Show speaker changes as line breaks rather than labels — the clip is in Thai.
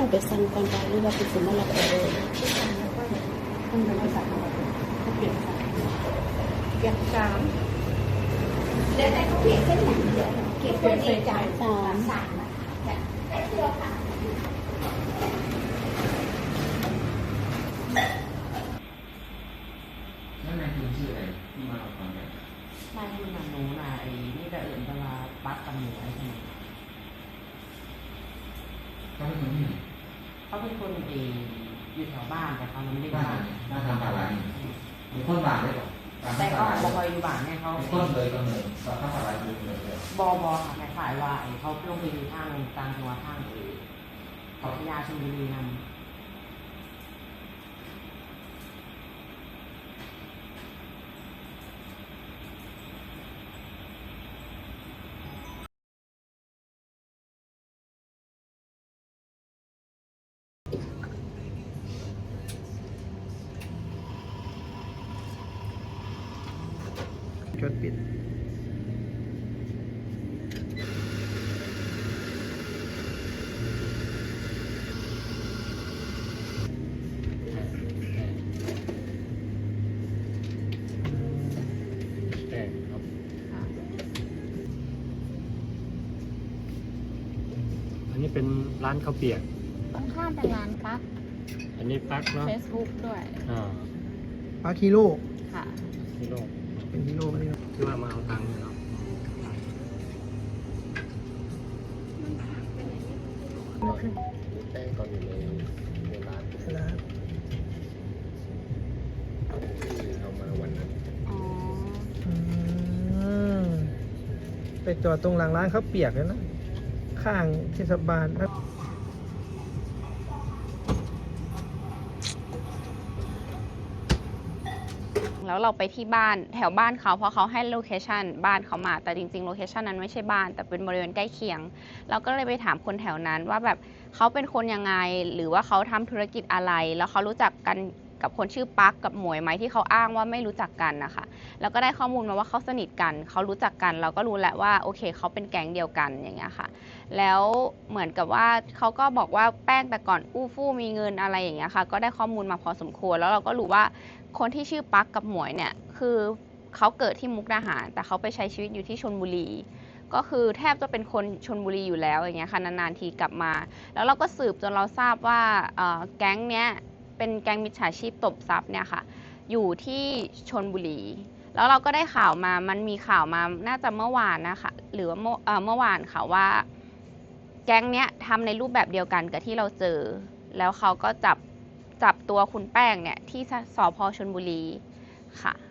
ไปสั่งก่อนไปหรือว่าเป็นสมมติเราไปเลยต้องเป็นภาษาเขาเปลี่ยนภาษาเก็บสาม
แล้วแต่เขาเปลี่ยนเส้นอย่างเดียวเก็บตัวเองจ่าย
สาม
สามได้เสื้อค่ะ
นั่นนายคุณชื่ออะไรที่มาเอาความแบบ
นายคุณน่ะหนูน่ะไอ้นี่แต่อื่นเวลาปักกับหนูไอ้ใช่ไหม
เขาเป็นคนที่ไหน
เขาเป็นคนอยู่แถวบ้านแต่เขาไม่ได้
บ้า
บ้าน น
หน้าทำอะไรมีคนบ้านได้ก่อน
แต่ก็บอกว่าอยู่บ้านเนี่ยเขา
มีคนเลยก็เหมือนตอนทำอะไรอยู่เลย
บค่ะคล้ายๆว่าไอ้เขาลงไปอยู่ทางกลางจังหวัดทางเขาพยาชลบุรีนั่น
จดปิดครับอันนี้เป็นร้านข้าวเปียก
ตรงข้ามเป็นร้านปัก
อันนี้ปักเนาะ
Facebook ด้วย
ปลาคีโร่
ค่ะ
ฮีโร่เป็นฮีโร่ไหมเนี่ยที่ว่ามาเอาตังค์เนี่ยเนาะแป้งก่อนอยู่ในร้านที่เอามาวันนั้น
อ๋อ
ไปจอดตรงหลังร้านเขาวเปียกเลยนะ ข้างเทศบาลนะ
แล้วเราไปที่บ้านแถวบ้านเขาเพราะเขาให้โลเคชันบ้านเขามาแต่จริงๆโลเคชันนั้นไม่ใช่บ้านแต่เป็นบริเวณใกล้เคียงเราก็เลยไปถามคนแถวนั้นว่าแบบเขาเป็นคนยังไงหรือว่าเขาทำธุรกิจอะไรแล้วเขารู้จักกันกับคนชื่อปักกับหมวยไหมที่เขาอ้างว่าไม่รู้จักกันนะคะแล้วก็ได้ข้อมูลมาว่าเขาสนิทกันเขารู้จักกันเราก็รู้แหละว่าโอเคเขาเป็นแก๊งเดียวกันอย่างเงี้ยค่ะแล้วเหมือนกับว่าเขาก็บอกว่าแป้งแต่ก่อนอู้ฟู่มีเงินอะไรอย่างเงี้ยค่ะก็ได้ข้อมูลมาพอสมควรแล้วเราก็รู้ว่าคนที่ชื่อปักกับหมวยเนี่ยคือเขาเกิดที่มุกดาหารแต่เขาไปใช้ชีวิตอยู่ที่ชลบุรีก็คือแทบจะเป็นคนชลบุรีอยู่แล้วอย่างเงี้ยค่ะนานๆทีกลับมาแล้วเราก็สืบจนเราทราบว่าแก๊งเนี้ยเป็นแก๊งมิจฉาชีพตบทรัพย์เนี่ยค่ะอยู่ที่ชลบุรีแล้วเราก็ได้ข่าวมามันมีข่าวมาน่าจะเมื่อวานนะคะหรือว่าเมื่อวานค่ะว่าแก๊งเนี้ยทำในรูปแบบเดียวกันกับที่เราเจอแล้วเขาก็จับตัวคุณแป้งเนี่ยที่สพชลบุรีค่ะ